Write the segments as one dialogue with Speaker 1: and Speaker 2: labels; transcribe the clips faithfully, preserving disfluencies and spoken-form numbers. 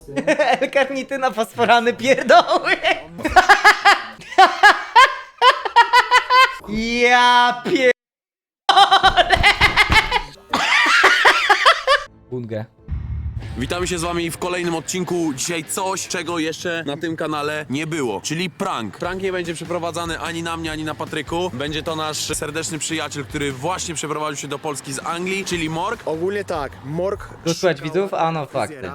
Speaker 1: L-karnityna, fosforany, pierdoły. Ja pier... Bungę.
Speaker 2: Witamy się z wami w kolejnym odcinku. Dzisiaj coś, czego jeszcze na tym kanale nie było, czyli prank. Prank nie będzie przeprowadzany ani na mnie, ani na Patryku. Będzie to nasz serdeczny przyjaciel, który właśnie przeprowadził się do Polski z Anglii, czyli Morg.
Speaker 3: Ogólnie tak, Morg...
Speaker 1: Tu słuchać widzów? A no fakty.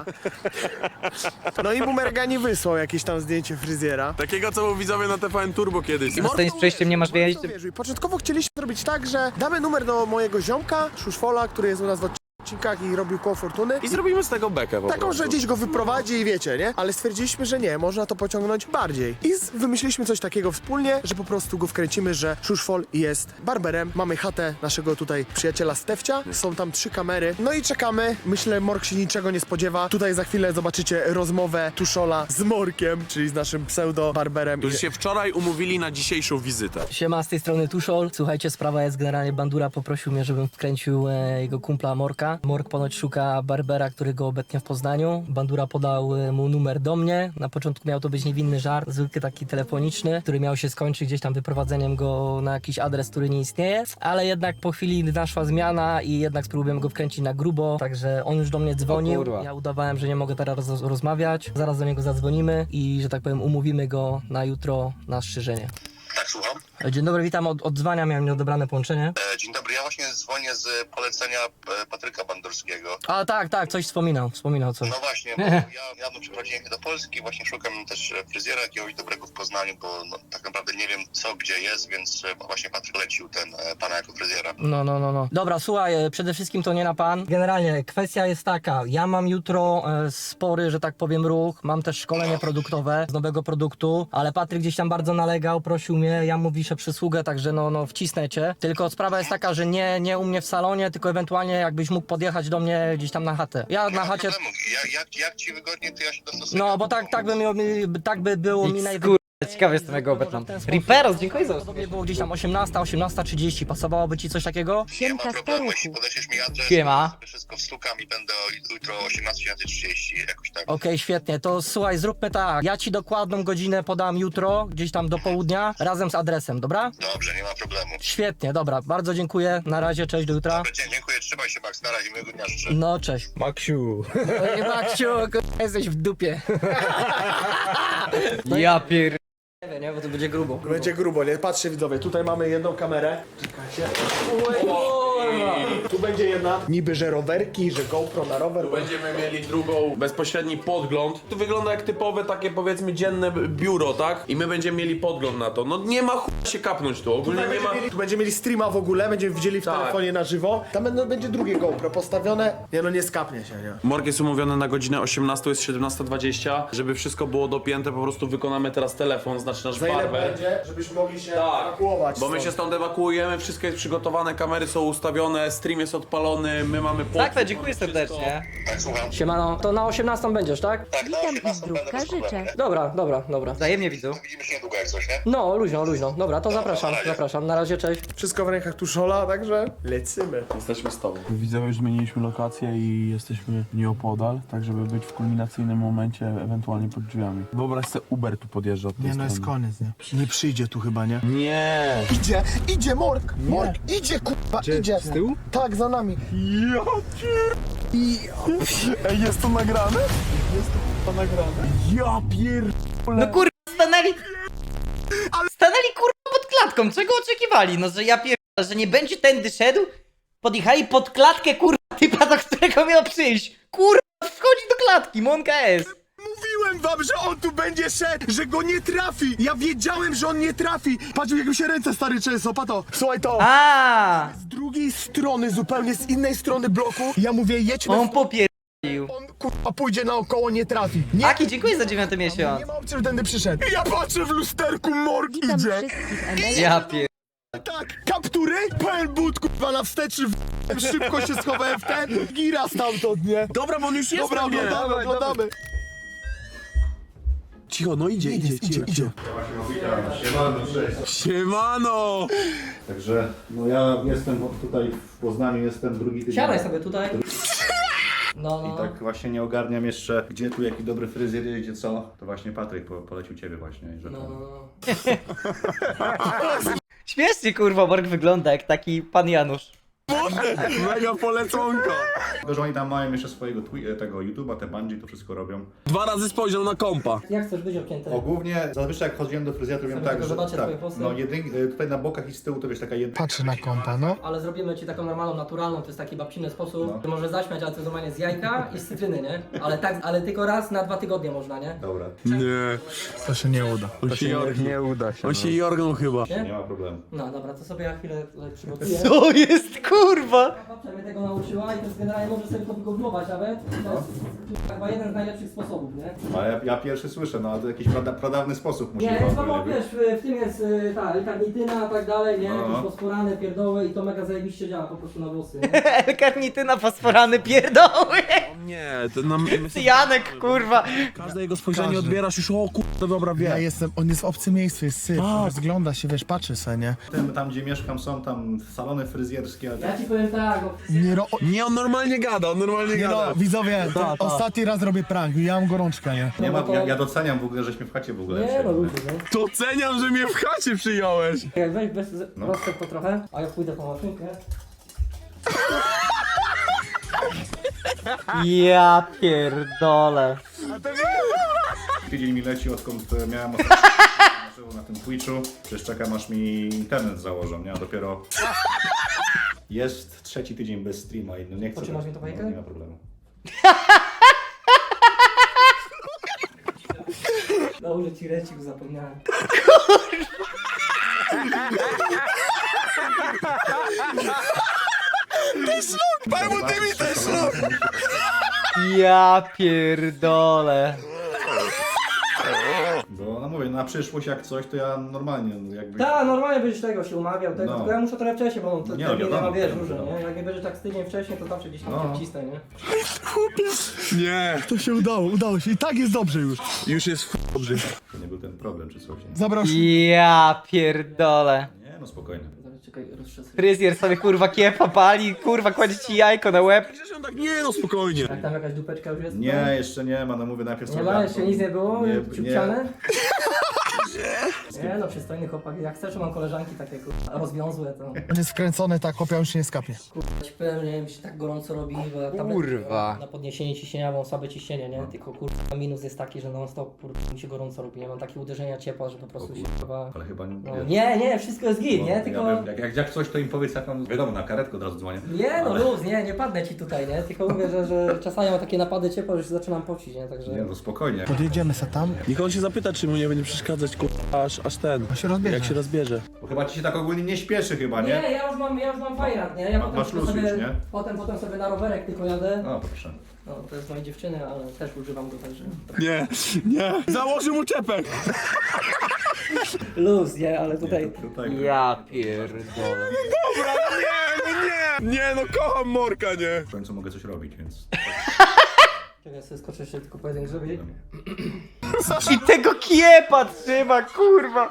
Speaker 3: No i Bumergani wysłał jakieś tam zdjęcie fryzjera.
Speaker 2: Takiego, co był widzowie na T V N Turbo kiedyś. I
Speaker 1: Na scenie z przejściem nie masz wiedzieć?
Speaker 3: Początkowo chcieliśmy zrobić tak, że damy numer do mojego ziomka, Szuszfola, który jest u nas w odcinkach i robił koło fortuny.
Speaker 2: I zrobimy z tego bekę po
Speaker 3: Taką,
Speaker 2: prostu.
Speaker 3: że gdzieś go wyprowadzi i wiecie, nie? Ale stwierdziliśmy, że nie, można to pociągnąć bardziej. I z- wymyśliliśmy coś takiego wspólnie, że po prostu go wkręcimy, że Szuszfol jest barberem. Mamy chatę naszego tutaj przyjaciela Stefcia, są tam trzy kamery. No i czekamy. Myślę, Morg się niczego nie spodziewa. Tutaj za chwilę zobaczycie rozmowę Tuszola z Morkiem, czyli z naszym pseudo-barberem.
Speaker 2: Którzy się wczoraj umówili na dzisiejszą wizytę.
Speaker 4: Siema, z tej strony Tuszol. Słuchajcie, sprawa jest generalnie, Bandura poprosił mnie, żebym wkręcił e, jego kumpla Morka. Mork ponoć szuka barbera, który go obecnie w Poznaniu. Bandura podał e, mu numer do mnie. Na początku miał to być niewinny żart, zwykły taki telefoniczny, który miał się skończyć gdzieś tam wyprowadzeniem go na jakiś adres, który nie istnieje. Ale jednak po chwili naszła zmiana i jednak spróbujemy go wkręcić na grubo. Także on już do mnie dzwonił.
Speaker 1: O kurwa.
Speaker 4: Ja udawałem, że nie mogę teraz roz rozmawiać. Zaraz do niego zadzwonimy i, że tak powiem, umówimy go na jutro na strzyżenie.
Speaker 5: Tak, słucham.
Speaker 4: Dzień dobry, witam. Od, od dzwania miałem nieodebrane połączenie.
Speaker 5: E, dzień dobry, ja właśnie dzwonię z polecenia e, Patryka Bandurskiego.
Speaker 4: A tak, tak, coś wspominał, wspominał coś.
Speaker 5: No właśnie, bo ja niedawno przeprowadziłem się do Polski, właśnie szukam też e, fryzjera jakiegoś dobrego w Poznaniu, bo no, tak naprawdę nie wiem co, gdzie jest, więc e, właśnie Patryk lecił ten e, pana jako fryzjera.
Speaker 4: No, no, no, no. Dobra, słuchaj, e, przede wszystkim to nie na pan. Generalnie kwestia jest taka, ja mam jutro e, spory, że tak powiem, ruch, mam też szkolenie produktowe z nowego produktu, ale Patryk gdzieś tam bardzo nalegał, prosił mnie, ja mu wiszę przysługę, także no, no wcisnę cię. Tylko sprawa jest taka, że nie, nie u mnie w salonie, tylko ewentualnie jakbyś mógł podjechać do mnie gdzieś tam na chatę. Ja
Speaker 5: Nie
Speaker 4: na
Speaker 5: ma
Speaker 4: chacie...
Speaker 5: problemu, jak, jak, jak ci wygodnie, to ja się dostosuję.
Speaker 4: No, bo tak, tak by, mi, tak by było mi najwygodniej.
Speaker 1: Ciekawy jestem jego obecną.
Speaker 4: W ten sposób.
Speaker 1: Riperos, dziękuję za
Speaker 4: Podobnie było gdzieś tam osiemnasta, osiemnasta trzydzieści. Pasowałoby ci coś takiego?
Speaker 5: Nie ma problemu, jeśli podeślesz mi adres,
Speaker 1: Siema.
Speaker 5: to sobie wszystko wstukam i będę o- jutro o osiemnasta trzydzieści jakoś tak.
Speaker 4: Okej, świetnie. To słuchaj, zróbmy tak. Ja ci dokładną godzinę podam jutro, gdzieś tam do południa, razem z adresem, dobra?
Speaker 5: Dobrze, nie ma problemu.
Speaker 4: Świetnie, dobra. Bardzo dziękuję. Na razie, cześć, do jutra.
Speaker 5: Dobra, dzie- dziękuję, trzymaj się Max, na razie, miłego dnia życzę.
Speaker 4: No, cześć.
Speaker 3: Maksiu.
Speaker 4: Ej, Maksiu, k***a, jesteś w dupie.
Speaker 1: Ja pier...
Speaker 4: Nie wiem, nie, bo to będzie grubo.
Speaker 3: Będzie grubo, nie? Patrzcie widzowie, tutaj mamy jedną kamerę. Czekajcie. Tu będzie jedna. Niby, że rowerki, że GoPro na rower.
Speaker 2: Będziemy mieli drugą, bezpośredni podgląd. To wygląda jak typowe takie, powiedzmy, dzienne biuro, tak? I my będziemy mieli podgląd na to. No nie ma chuj się kapnąć tu, ogólnie
Speaker 3: Tutaj
Speaker 2: nie ma...
Speaker 3: będziemy mieli, tu będziemy mieli streama w ogóle, będziemy widzieli w
Speaker 2: Tak.
Speaker 3: telefonie na żywo. Tam będą, będzie drugie GoPro postawione. Nie no, nie skapnie się, nie?
Speaker 2: Morg jest umówiony na godzinę osiemnastą, jest siedemnasta dwadzieścia. Żeby wszystko było dopięte, po prostu wykonamy teraz telefon, znaczy nasz
Speaker 3: Za ile
Speaker 2: barber.
Speaker 3: będzie, żebyśmy mogli się
Speaker 2: Tak,
Speaker 3: ewakuować
Speaker 2: bo my
Speaker 3: stąd.
Speaker 2: się stąd ewakuujemy, wszystko jest przygotowane, kamery są ustawione, stream jest odpalony, my mamy
Speaker 1: Tak,
Speaker 2: podgląd,
Speaker 1: to dziękuję
Speaker 2: wszystko.
Speaker 1: serdecznie.
Speaker 5: Tak, słucham.
Speaker 4: Siemano, to na osiemnastą będziesz, tak?
Speaker 5: Tak, na
Speaker 6: Witam i
Speaker 5: osiemnastą będę
Speaker 6: zdrówka
Speaker 5: bez problemu,
Speaker 6: życzę.
Speaker 5: nie?
Speaker 4: Dobra, dobra, dobra.
Speaker 1: Wzajemnie widzów.
Speaker 5: Widzimy się niedługo jak coś, nie?
Speaker 4: No, luźno, luźno. Dobra, to zapraszam,
Speaker 5: na razie.
Speaker 4: zapraszam. Na razie, cześć.
Speaker 3: Wszystko w rękach Tuszola, także lecimy.
Speaker 2: Jesteśmy z tobą.
Speaker 7: Widzowie, już zmieniliśmy lokację i jesteśmy nieopodal, tak żeby być w kulminacyjnym momencie, ewentualnie pod drzwiami. Wyobraź sobie, Uber tu podjeżdża od tej
Speaker 3: Nie no,
Speaker 7: strony.
Speaker 3: jest koniec, nie? Nie przyjdzie tu chyba, nie?
Speaker 2: Nie!
Speaker 3: Idzie, idzie Morg! Morg, idzie, kurwa, idzie! Z tyłu? Tak, za nami.
Speaker 7: Ja pier... Ej, jest to nagrane? Jest to kurwa nagrane. Ja pier...
Speaker 1: No kurwa, stanęli... Stanęli kurwa pod klatką, czego oczekiwali? No, że ja pier... że nie będzie tędy szedł? Podjechali pod klatkę kurwa typa, do którego miał przyjść. Kurwa, wchodzi do klatki, Monka S.
Speaker 3: Mówiłem wam, że on tu będzie szedł, że go nie trafi! Ja wiedziałem, że on nie trafi! Patrz, jak mi się ręce stary często, pato! Słuchaj to!
Speaker 1: A,
Speaker 3: Z drugiej strony, zupełnie z innej strony bloku, ja mówię, jedź na...
Speaker 1: on popierdolił.
Speaker 3: On kurwa pójdzie naokoło, nie trafi. Nie,
Speaker 1: Aki, dziękuję za dziewiąty miesiąc.
Speaker 3: nie ma opcji, że tędy przyszedł. I ja patrzę w lusterku, Morg
Speaker 6: Witam
Speaker 3: idzie!
Speaker 6: wszystkich emerytów.
Speaker 1: Ja pier...
Speaker 3: Tak, kaptury, pełen but, kurwa, na wstecz, w... szybko się schowałem w ten, gira stamtąd, nie?
Speaker 2: Dobra, bo on już jest
Speaker 3: Dobra,
Speaker 2: na mnie.
Speaker 3: oglądamy, oglądamy.
Speaker 7: Cicho, no idzie, idzie, idzie, idzie.
Speaker 2: Siemano!
Speaker 8: Także no ja jestem tutaj w Poznaniu, jestem drugi tydzień.
Speaker 4: Siadaj sobie tutaj. No, no.
Speaker 6: I tak właśnie nie ogarniam jeszcze, gdzie tu jaki dobry fryzjer jest, gdzie co. To właśnie Patryk po, polecił ciebie właśnie. Że
Speaker 4: No,
Speaker 6: to...
Speaker 4: no, no.
Speaker 1: Śmiesznie kurwa Borg wygląda jak taki pan Janusz.
Speaker 2: Mega poleconka.
Speaker 6: Tylko, że oni tam mają jeszcze swojego twi- tego YouTube'a, te Bungie, to wszystko robią.
Speaker 2: Dwa razy spojrzał na kompa.
Speaker 4: Jak chcesz być obcięty?
Speaker 6: O, głównie zazwyczaj jak chodziłem do fryzjera, to wiem
Speaker 4: Sobie
Speaker 6: tak,
Speaker 4: tylko
Speaker 6: że
Speaker 4: zobaczę
Speaker 6: tak,
Speaker 4: twoje włosy.
Speaker 6: no jedyn, tutaj na bokach i z tyłu to wiesz taka jedna...
Speaker 3: Patrzę na kompa, no.
Speaker 4: Ale zrobimy ci taką normalną, naturalną, to jest taki babciny sposób,
Speaker 6: No.
Speaker 4: że może zaśmiać, ale to jest normalnie z jajka i z cytryny, nie? Ale tak, ale tylko raz na dwa tygodnie można, nie?
Speaker 6: Dobra,
Speaker 2: Nie.
Speaker 3: To się nie uda.
Speaker 2: On się jorgnął. Nie uda się. On się jorgnął chyba.
Speaker 6: nie ma problemu.
Speaker 4: No dobra, to sobie ja chwilę tutaj przygotuję.
Speaker 1: Co jest kurwa?
Speaker 4: Babcia mnie tego nauczyła i to jest generalnie może sobie to wygooglować nawet. To jest chyba jeden z najlepszych sposobów, nie?
Speaker 6: Ale ja, ja pierwszy słyszę, no ale to jakiś prada, pradawny sposób musi
Speaker 4: Nie,
Speaker 6: być.
Speaker 4: jest no, wiesz, w- w tym jest y, ta L-karnityna i tak dalej, nie?
Speaker 6: No.
Speaker 4: Jakieś fosforany, pierdoły i to mega zajebiście działa po prostu na włosy, nie?
Speaker 1: L-karnityna, fosforany, pierdoły.
Speaker 2: Nie, to nam...
Speaker 1: Janek kurwa.
Speaker 2: Każde jego spojrzenie
Speaker 3: Każdy.
Speaker 2: odbierasz już, o kurde, dobra,
Speaker 3: Ja
Speaker 2: wie.
Speaker 3: jestem, on jest w obcym miejscu, jest syf, rozgląda się, wiesz, patrzy se, nie?
Speaker 6: Tym, tam gdzie mieszkam są tam salony fryzjerskie, ale
Speaker 4: Ja ci powiem tak, no,
Speaker 3: Nie, ro...
Speaker 2: Nie, on normalnie gada, on normalnie
Speaker 3: nie
Speaker 2: gada.
Speaker 3: no, widzowie, to ostatni raz robię prank, ja mam gorączkę, nie?
Speaker 6: nie ma,
Speaker 4: no to-
Speaker 6: ja, ja doceniam w ogóle, żeśmy w chacie w ogóle
Speaker 4: nie
Speaker 6: wsiedli,
Speaker 4: no ludzie, nie?
Speaker 2: To oceniam, że mnie w chacie przyjąłeś.
Speaker 4: Jak weź bez
Speaker 6: No.
Speaker 4: rozstek to trochę, a ja pójdę po maszynkę.
Speaker 1: Ja pierdolę.
Speaker 6: Tydzień mi leci, odkąd e, miałem ostatnio na tym Twitchu. Przecież czekam aż mi internet założą, nie? A dopiero jest trzeci tydzień bez streama i no nie chcę.
Speaker 4: Potrzymasz mi to fajkę?
Speaker 6: No, nie ma problemu.
Speaker 4: Dobrze ci recił, zapomniałem.
Speaker 2: Panu ty mi też
Speaker 1: Ja pierdolę.
Speaker 6: Bo no mówię, na przyszłość jak coś, to ja normalnie no, jakby...
Speaker 4: Tak, normalnie będziesz tego się umawiał, tego,
Speaker 6: No.
Speaker 4: tylko ja muszę trochę wcześniej, bo to
Speaker 6: Nie,
Speaker 4: terminy
Speaker 6: wiadomo,
Speaker 4: ma wiesz
Speaker 6: wiadomo,
Speaker 4: różne,
Speaker 6: wiadomo.
Speaker 4: nie? Jak nie będziesz tak z tydzień wcześniej, to zawsze gdzieś tam
Speaker 6: No.
Speaker 4: cię wcisnę, nie?
Speaker 2: Nie,
Speaker 3: To się udało, udało się i tak jest dobrze już.
Speaker 2: już jest f- dobrze.
Speaker 6: To nie był ten problem czy coś. Nie,
Speaker 3: Zabrał się.
Speaker 1: Ja pierdolę.
Speaker 6: nie no spokojnie.
Speaker 4: Zaraz, czekaj, roztrzesy.
Speaker 1: Fryzjer sobie kurwa kiepa pali, kurwa kładzie ci jajko na łeb.
Speaker 2: Przecież on tak, nie no, spokojnie.
Speaker 4: Jak tam jakaś dupeczka już jest?
Speaker 6: Nie, jeszcze nie ma, no mówię najpierw
Speaker 4: Nie ma, jeszcze nic nie było?
Speaker 6: Nie,
Speaker 4: Ciupciane? Nie no, przystojny chłopak. Jak chcesz, mam koleżanki takie kurwa, rozwiązłe, to
Speaker 3: On jest wkręcony, tak, chłopia już się nie skapie.
Speaker 4: kurwa ci powiem, nie mi się tak gorąco robi, bo ja tabletki
Speaker 1: Kurwa.
Speaker 4: na podniesienie ciśnienia mam słabe ciśnienie, nie? Tylko kurwa minus jest taki, że non stop kurwa mi się gorąco robi, nie mam takie uderzenia ciepła, że po prostu się kurwa...
Speaker 6: Ale chyba nie...
Speaker 4: No, nie, nie, wszystko jest git, nie?
Speaker 6: Ja
Speaker 4: Tylko...
Speaker 6: wiem, jak, jak, jak coś, to im powiedz, jak mam, wiadomo, na karetkę od razu dzwonię.
Speaker 4: Nie no
Speaker 6: Ale-
Speaker 4: luz, nie, nie padnę ci tutaj, nie? Tylko mówię, że, że czasami mam takie napady ciepła, że się zaczynam pocić, nie? Także...
Speaker 6: Nie, no spokojnie.
Speaker 3: Podjedziemy se tam,
Speaker 2: Niech on się zapyta, czy mu nie będzie przeszkadzać, kurwa, aż, aż ten.
Speaker 3: on się rozbierze.
Speaker 2: Jak się rozbierze.
Speaker 6: Bo chyba ci się tak ogólnie nie śpieszy chyba,
Speaker 4: Nie,
Speaker 6: nie?
Speaker 4: ja już mam, ja już mam fajrat, nie? Ja
Speaker 6: Ma-
Speaker 4: potem
Speaker 6: masz
Speaker 4: tylko
Speaker 6: luz
Speaker 4: sobie,
Speaker 6: już, nie?
Speaker 4: Potem, potem sobie na rowerek tylko jadę.
Speaker 6: No proszę.
Speaker 4: No, to jest mojej dziewczyny, ale też używam go także.
Speaker 2: Nie, nie. Założy mu czepek.
Speaker 4: Luz, nie, ale tutaj...
Speaker 6: Nie, to, tutaj
Speaker 1: Ja pierdolę.
Speaker 2: Dobra, nie, no nie. Nie, no kocham Morka, nie.
Speaker 6: w końcu mogę coś robić, więc...
Speaker 4: Czekaj, sobie skoczę jeszcze tylko pojedynek zrobić.
Speaker 1: I tego kiepa trzyma, kurwa.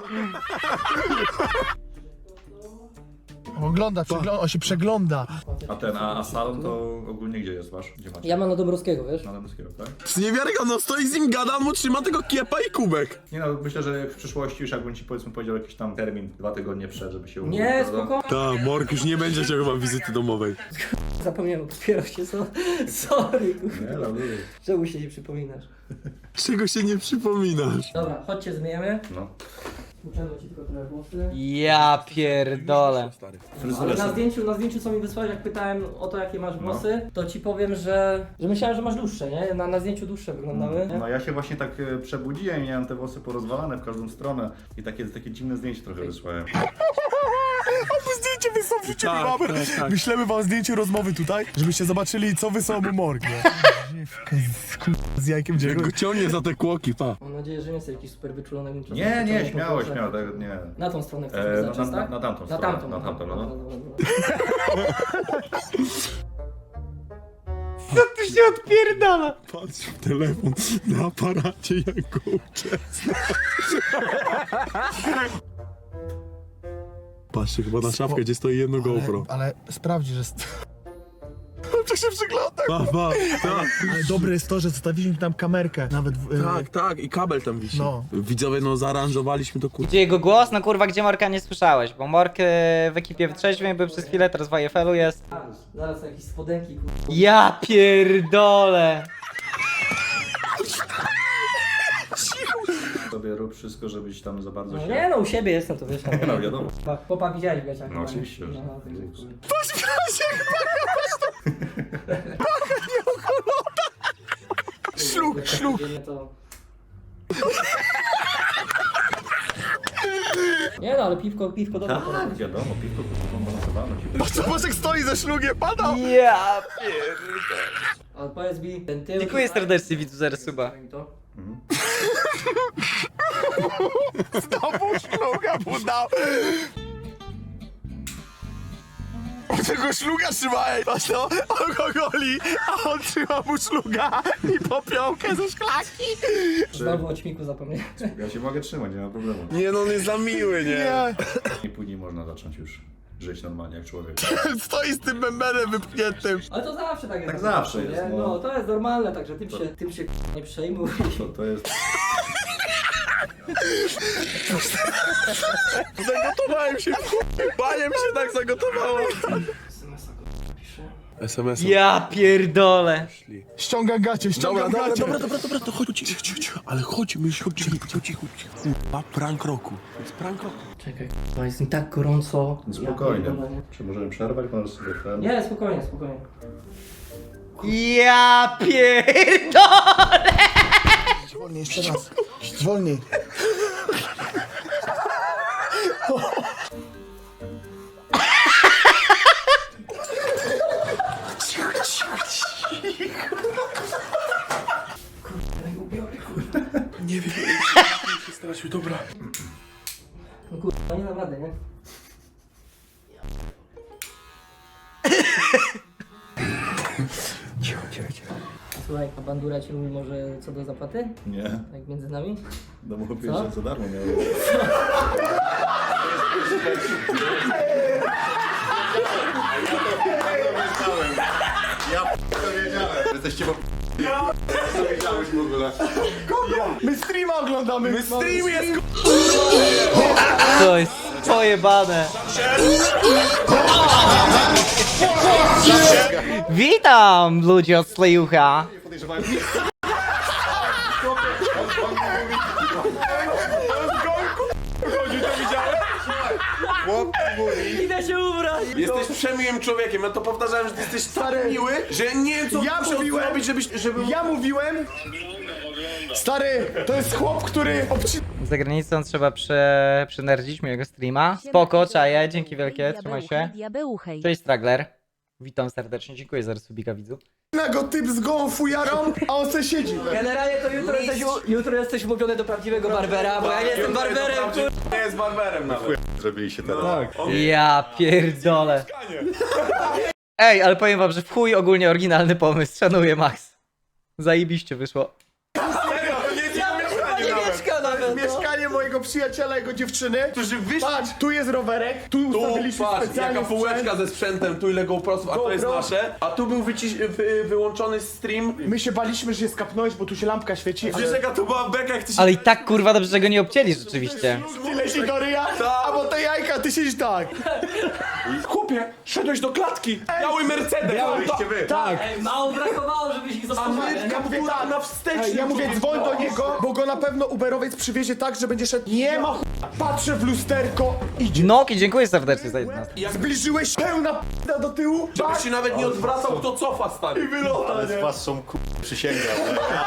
Speaker 3: Ogląda, przegląda, on się przegląda.
Speaker 6: A ten, a, a salon to ogólnie gdzie jest wasz? Gdzie macie?
Speaker 4: Ja mam na Dąbrowskiego, wiesz?
Speaker 6: Na Dębskiego, tak?
Speaker 2: To jest niewiarygodne, on stoi z nim, gada, on mu trzyma tego kiepa i kubek.
Speaker 6: Nie no, myślę, że w przyszłości już jakbym ci powiedzmy powiedział jakiś tam termin, dwa tygodnie przed, żeby się umówić,
Speaker 4: Nie,
Speaker 6: prawda?
Speaker 4: spokojnie.
Speaker 2: Ta, Mork już nie będzie chciał chyba wizyty domowej.
Speaker 4: Zapomniałem, dopiero się, so... sorry, kurwa.
Speaker 6: Nie, no, lubię.
Speaker 4: Czemu się nie przypominasz?
Speaker 2: Czego się nie przypominasz?
Speaker 4: Dobra, chodźcie, zmieniamy.
Speaker 6: No.
Speaker 4: Uczemy ci tylko trochę włosy.
Speaker 1: Ja pierdolę.
Speaker 4: Ale na zdjęciu, na zdjęciu co mi wysłałeś, jak pytałem o to jakie masz włosy, to ci powiem, że, że myślałem, że masz dłuższe, nie? Na, na zdjęciu dłuższe wyglądały.
Speaker 6: No ja się właśnie tak e, przebudziłem i miałem te włosy porozwalane w każdą stronę i takie, takie dziwne zdjęcie trochę wysłałem.
Speaker 3: Zdjęcie wysłał, wrzucimy
Speaker 2: Tak,
Speaker 3: mamy.
Speaker 2: tak, tak.
Speaker 3: Wyślemy wam zdjęcie rozmowy tutaj, żebyście zobaczyli, co wysłał mu Morg, nie? Z, kur- z jajkiem
Speaker 2: Jak
Speaker 3: dziego.
Speaker 2: go ciągnie za te kłoki, pa.
Speaker 4: Mam nadzieję, że nie jesteś jakiś super wyczulony. bym czasem
Speaker 6: Nie, nie,
Speaker 4: pociągnął
Speaker 6: śmiało,
Speaker 4: po
Speaker 6: śmiało,
Speaker 4: włosach.
Speaker 6: tak, nie.
Speaker 4: Na tą stronę chcesz
Speaker 6: E,
Speaker 4: wyznaczyć,
Speaker 6: na, na,
Speaker 4: tak?
Speaker 6: na tamtą
Speaker 4: Na
Speaker 6: stronę.
Speaker 4: tamtą.
Speaker 6: Na tamtą, no.
Speaker 4: Dobra, dobra, dobra.
Speaker 1: Co tu się odpierdala?
Speaker 2: Patrz w telefon na aparacie, jak go uczesna. Patrzcie chyba na szafkę, gdzie stoi jedno GoPro.
Speaker 3: Ale, ale sprawdzi, że... st- To się przygląda.
Speaker 2: Baba, tak.
Speaker 3: Ale dobre jest to, że zostawiliśmy tam kamerkę. Nawet w,
Speaker 2: Tak, tak, i kabel tam wisi.
Speaker 3: No.
Speaker 2: Widzowie, no zaaranżowaliśmy to kurwa.
Speaker 1: Gdzie jego głos? No kurwa, gdzie Morka nie słyszałeś, bo Mork e, w ekipie wytrzeźwień był przez chwilę, teraz w I F L-u jest.
Speaker 4: Zaraz jakieś spodenki, kurwa.
Speaker 1: Ja pierdolę!
Speaker 6: Sobie rób wszystko, żebyś tam za bardzo
Speaker 4: No
Speaker 6: się...
Speaker 4: nie no, u siebie jestem, to wiesz.
Speaker 6: No wiadomo.
Speaker 4: Chłopa widziałeś w gaciach.
Speaker 6: No oczywiście, że
Speaker 4: No,
Speaker 6: tak.
Speaker 4: także, kurwa.
Speaker 3: Szluk, szluk.
Speaker 4: To... Nie no, ale piwko, piwko dobre.
Speaker 6: Tak, wiadomo, piwko komponowane ci.
Speaker 3: Patrz, Bożek stoi ze szlugiem, padał.
Speaker 1: Ja pierdolę.
Speaker 4: Ale powiedz mi, ten tył...
Speaker 1: Dziękuję serdecznie, widzu, za resuba.
Speaker 4: Daj mi to.
Speaker 3: Znowu szluga mu dał. Tego szluga trzymaj. Patrz no, on go goli, a on trzyma mu szluga i popiołkę ze szklaki.
Speaker 4: Znowu o ćmiku zapomniałem.
Speaker 6: Ja się mogę trzymać, nie ma problemu.
Speaker 2: Nie no, on jest za miły, nie?
Speaker 3: Nie,
Speaker 6: I później można zacząć już żyć normalnie jak człowiek.
Speaker 3: stoi z tym bębenem wypchniętym.
Speaker 4: Ale to zawsze tak jest.
Speaker 6: Tak zawsze jest,
Speaker 4: nie?
Speaker 6: no.
Speaker 4: No to jest normalne, także tym się, tym się nie przejmuj.
Speaker 6: To, to jest...
Speaker 3: Zagotowałem się, baniem się tak zagotowało.
Speaker 2: es em es.
Speaker 1: Ja pierdolę.
Speaker 3: Ściąga gacie, ściąga
Speaker 2: Dobra, dobra,
Speaker 3: gacie.
Speaker 2: dobra, dobra, dobra, to chodź, cicho, cicho, cicho. Ale chodź, my chodzimy, cicho, cicho, cicho. Kurwa, prank roku. To jest prank roku.
Speaker 4: Czekaj, to jest mi tak gorąco.
Speaker 6: Spokojnie.
Speaker 4: Ja pierdolę.
Speaker 6: Czy możemy przerwać? Możesz sobie ten...
Speaker 4: Nie, spokojnie, spokojnie.
Speaker 1: Ja pierdolę.
Speaker 3: Wolniej, jeszcze raz. Wolniej.
Speaker 2: Nie wiem, się straszył, dobra.
Speaker 4: No kurwa, nie dam rady, nie?
Speaker 2: Cicho, cicho, cicho.
Speaker 4: Słuchaj, a bandura ci mówi może co do zapłaty?
Speaker 6: Nie,
Speaker 4: Tak między nami?
Speaker 6: no bo
Speaker 4: Co?
Speaker 6: pierwsze co darmo miałem. Jesteście po... Co wiedziałeś w ogóle?
Speaker 3: My streama oglądamy. My stream jest.
Speaker 1: To jest pojebane. Witam, ludzie od Slejucha.
Speaker 6: Podejrzewałem...
Speaker 4: Idę się ubrać!
Speaker 2: Jesteś przemiłym człowiekiem, ja to powtarzałem, że ty jesteś tak miły, że nie wiem co
Speaker 3: Ja
Speaker 2: muszę
Speaker 3: mówiłem-
Speaker 2: zrobić, żebyś, żeby...
Speaker 3: Ja mówiłem. Stary, to jest chłop, który obci...
Speaker 1: Za granicą trzeba prze... przynerdzić mojego streama. Spoko, czaję, dzięki wielkie, trzymaj się. Cześć Stragler. Witam serdecznie, dziękuję za resubika, widzu.
Speaker 3: go typ z gołą fujarą, a on se siedzi.
Speaker 4: Generalnie to jutro jesteś, u- jutro jesteś umówiony do prawdziwego barbera, bo ja nie jestem barberem, kur...
Speaker 2: Nie jest barberem nawet.
Speaker 6: Zrobiliście teraz.
Speaker 1: Ja pierdolę. Ej, ale powiem wam, że w chuj ogólnie oryginalny pomysł, szanuję Max. Zajebiście wyszło.
Speaker 4: Nie mieszka nawet, no.
Speaker 3: Mieszkanie mojego przyjaciela, jego dziewczyny.
Speaker 2: Którzy wyszli...
Speaker 3: Patrz, tu jest rowerek, tu
Speaker 2: Tu,
Speaker 3: ustawiliśmy
Speaker 2: patrz,
Speaker 3: specjalnie
Speaker 2: jaka półeczka
Speaker 3: sprzęt.
Speaker 2: ze sprzętem, tu ile GoProsów, a to jest
Speaker 3: GoPro.
Speaker 2: nasze. A tu był wyciś... wy... wyłączony stream.
Speaker 3: My się baliśmy, że się skapnąłeś, bo tu się lampka świeci.
Speaker 2: Wiesz jaka to była beka, jak ty się...
Speaker 1: Ale i tak kurwa dobrze, że go nie obcięli rzeczywiście.
Speaker 3: Ty leci do ryja, a bo to jajka, ty siedzisz tak.
Speaker 2: Chłopie, szedłeś do klatki! Biały Mercedes!
Speaker 6: Miałyście wy.
Speaker 3: Tak.
Speaker 4: Ej, mało brakowało, żebyś ich zostawił.
Speaker 3: Ja mówię tak,
Speaker 2: na wsteczny.
Speaker 3: Ej, ja mówię dzwoń do niego, bo go na pewno Uberowiec przywiezie tak, że będzie szedł. Nie ma ch... Patrzę w lusterko, idzie.
Speaker 1: Noki, dziękuję serdecznie za jedenastkę.
Speaker 3: Zbliżyłeś pełna p***a do tyłu.
Speaker 2: Żebyś się nawet nie odwracał, kto cofa, stary.
Speaker 3: Wylota,
Speaker 6: Ale
Speaker 3: nie?
Speaker 6: z was są ku... przysięgam.